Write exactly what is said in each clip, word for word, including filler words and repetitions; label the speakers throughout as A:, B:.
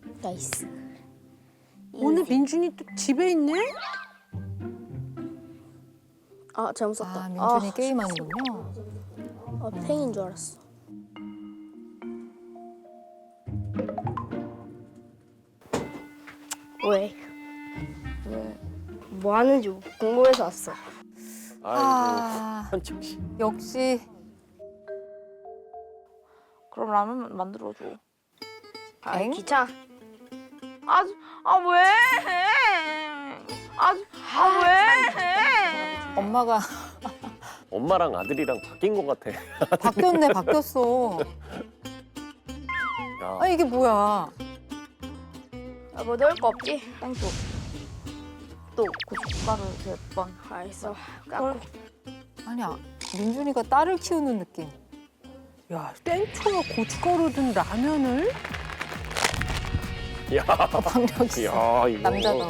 A: 나이스.
B: 오늘 민준이 또 집에 있네?
A: 아 잘못 썼다.
C: 아, 민준이
A: 아,
C: 게임하는군요.
A: 아, 팽인 줄 알았어. 왜? 왜? 뭐 하는지 궁금해서 왔어.
D: 아이고
C: 아,
D: 현철 씨.
C: 역시
E: 그럼 라면 만들어줘.
A: 아
C: 엥?
A: 귀찮아.
E: 아, 아 왜? 아, 아 왜?
C: 엄마가
D: 엄마랑 아들이랑 바뀐 것 같아.
C: 바뀌었네, 바뀌었어.
D: 야,
C: 아, 이게 뭐야?
A: 아, 뭐 넣을 거 없지?
E: 땡초. 또 고춧가루 몇 번.
A: 알았어. 깎고.
C: 아니야, 민준이가 딸을 키우는 느낌.
B: 야, 땡초와 고춧가루 든 라면을?
D: 야,
C: 박력 있어.
D: 야 이거.
C: 남자다워.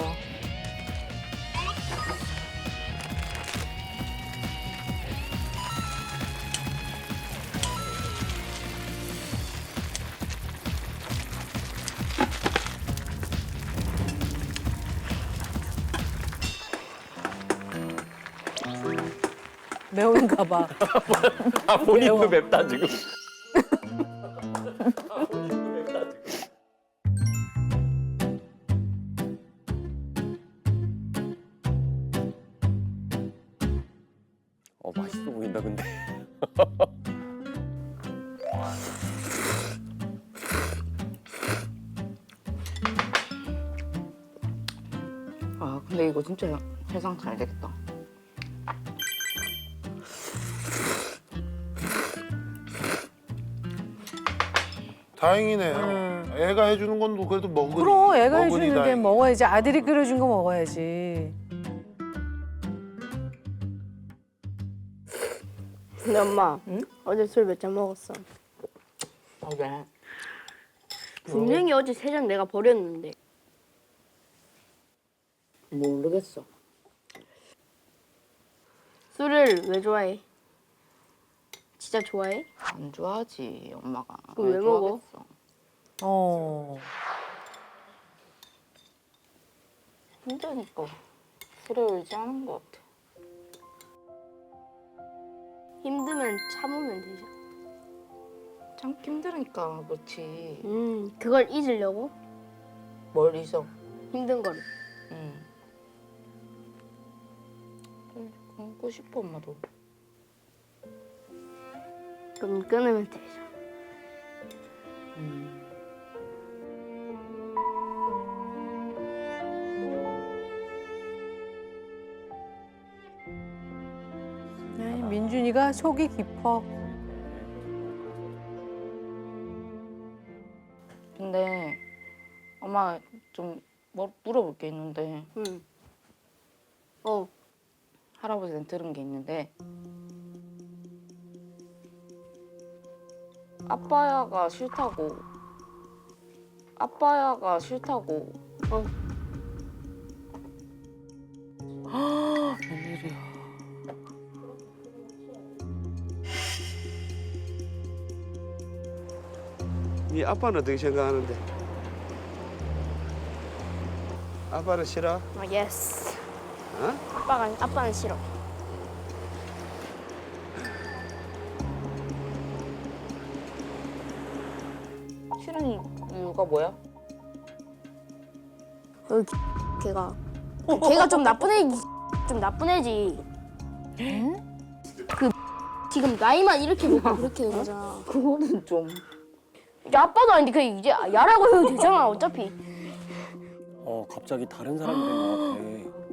B: 매운가 봐.
D: 아 본인도
B: 매워.
D: 맵다 지금. 아, 본인도 맵다 지금. 어 맛있어 보인다 근데.
E: 아, 근데 이거 진짜 해상 잘 되겠다.
F: 다행이네요.
B: 음.
F: 애가 해주는 건 뭐 그래도 먹으니.
B: 그럼 애가
F: 먹으니
B: 해주는 게
F: 다행이지.
B: 먹어야지. 아들이 끓여준 거 먹어야지.
A: 근데 엄마, 어제 술 몇 잔 먹었어?
E: 어제.
A: 분명히 어제 세 잔 내가 버렸는데.
E: 모르겠어.
A: 술을 왜 좋아해? 진짜 좋아해?
E: 안 좋아하지, 엄마가.
A: 그럼 왜 먹어?
E: 좋아하겠어?
B: 어.
E: 힘드니까 술에 의지하는 것 같아.
A: 힘들면 참으면 되죠.
E: 참기 힘드니까 그렇지.
A: 음, 그걸 잊으려고?
E: 뭘 잊어?
A: 힘든 거를.
E: 응. 끊고 싶어, 엄마도.
A: 그럼 끊으면 되죠.
E: 음.
B: 아이, 민준이가 속이 깊어.
E: 근데 엄마 좀 뭐 물어볼 게 있는데
A: 응. 어.
E: 할아버지한테 들은 게 있는데 아빠야가 싫다고 아빠야가 싫다고
A: 어.
B: 웬일이야.
G: 네 아빠는 어떻게 생각하는데? 아빠는 싫어?
A: 아, 예스.
G: 어?
A: 아빠가, 아빠는 싫어.
E: 싫은 이유가 뭐야?
A: 그 걔가. 걔가 좀 나쁜 애, 좀 나쁜 애지. 그 지금 나이만 이렇게 먹고 그렇게 된 거잖아.
E: 그거는 좀
A: 이제 아빠도 아닌데 그 이제 야라고 해도 되잖아 어차피.
D: 어 갑자기 다른 사람이 된 것 같아.